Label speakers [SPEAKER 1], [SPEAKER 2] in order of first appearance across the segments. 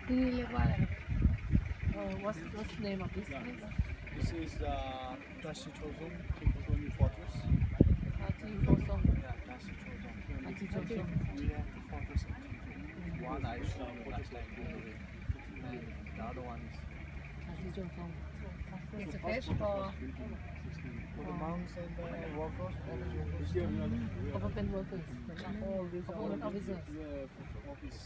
[SPEAKER 1] ที่นี่เรียกว่าอะไรครับ
[SPEAKER 2] What's the name of this place?
[SPEAKER 3] This is Dashi Chozong Kiputoni Fortress.
[SPEAKER 2] ฮาจิโกซง
[SPEAKER 3] Yeah, Dashi Chozong.
[SPEAKER 2] ฮาจิโกซง
[SPEAKER 3] We have the fortress of Kipu. One I show you last time. And the other one is
[SPEAKER 2] ฮาจิโกซง
[SPEAKER 1] It's a place for
[SPEAKER 3] for the monks and the workers, all the workers.
[SPEAKER 2] เขาเป็น workers เหมือนกัน
[SPEAKER 3] All these
[SPEAKER 2] เขา
[SPEAKER 3] are
[SPEAKER 2] เป็น officers
[SPEAKER 3] office.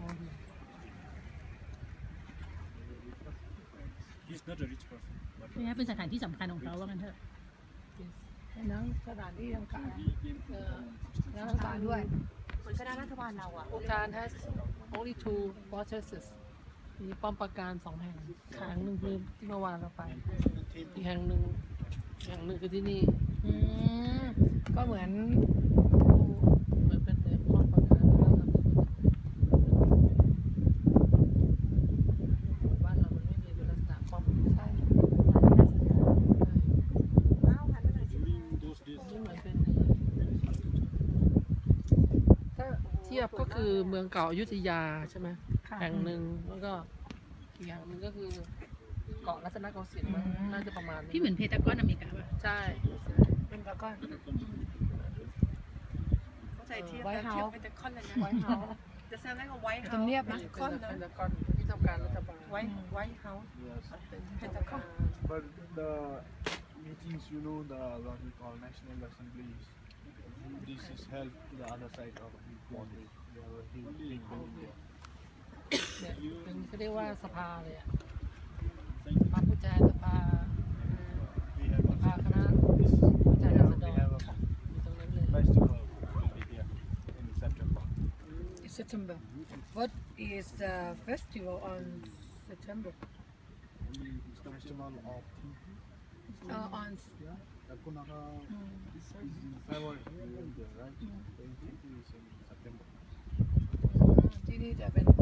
[SPEAKER 4] He's not a rich person. But
[SPEAKER 5] นี่เป็นสถานที่สำคัญของเขาว่างั้นเถอะ
[SPEAKER 1] ทั้งสถานที่ทำการแล้วรัฐบาลด้วย
[SPEAKER 6] เหมือนคณะรัฐบาลเราอะ
[SPEAKER 2] โครงการ has only two fortresses มีป้อมปราการสองแห่งแห่งหนึ่งคือที่เมื่อวานเราไป อีกแห่งหนึ่งคือที่นี่
[SPEAKER 1] อืมก็เหมือน
[SPEAKER 2] เหมือนเป็นป้อมปราการแล้วก็บ้านเรามันไม่มีเป็นลักษณะป้อมใช่
[SPEAKER 6] อ้าวหันมาหน่อยสิ
[SPEAKER 4] during those days,
[SPEAKER 2] นี่เหมือนเป็นถ้าเทียบก็คือเมืองเก่าอยุธยาใช่ไหมแห่งหนึ่งแล้วก็อีกแห่งหนึ่งก็คือเกาะรัตนโกสินทร์มั้งน่าจะประมาณนี้
[SPEAKER 5] ที่เหมือนเพตากอนอเมริกาป่ะ
[SPEAKER 2] ใช่
[SPEAKER 1] เป็นแล้วก็
[SPEAKER 6] เข้าใจเทียบ
[SPEAKER 1] White
[SPEAKER 6] แล้วเทียบ
[SPEAKER 1] House
[SPEAKER 6] เป็นแต่คอนเลยนะ
[SPEAKER 1] White House
[SPEAKER 6] จะเซลล์แรกกับไวท์เฮา
[SPEAKER 1] ทำเนียบนะ
[SPEAKER 6] คอน
[SPEAKER 2] เป็น
[SPEAKER 6] นะ
[SPEAKER 2] ตะกอนที่ทำการรัฐบาล
[SPEAKER 6] ไวท์เฮาส์
[SPEAKER 3] Yes.
[SPEAKER 2] เป็นที่
[SPEAKER 6] เป็น
[SPEAKER 2] ทำ
[SPEAKER 6] ตะกอ
[SPEAKER 2] กาน ร
[SPEAKER 3] But the meetings, you know, the what we call national assemblies. This is held to the other side of the boundary. We have a huge big building there.
[SPEAKER 2] เนี่ยเป็นเขาเรียกว่าสภาเลยอะสภาผู้แทนสภา
[SPEAKER 3] We have
[SPEAKER 2] สภา
[SPEAKER 3] also
[SPEAKER 2] คณะผู้แทนราษฎ
[SPEAKER 3] we
[SPEAKER 2] ร
[SPEAKER 3] have a
[SPEAKER 2] อยู่ตรงนั้นเลย
[SPEAKER 3] festival will be here in September.
[SPEAKER 1] September What is the festival on September
[SPEAKER 3] Festival of
[SPEAKER 1] on
[SPEAKER 3] Kunaka is in February, right? 20 is in September.
[SPEAKER 1] ที่นี่จะเป็น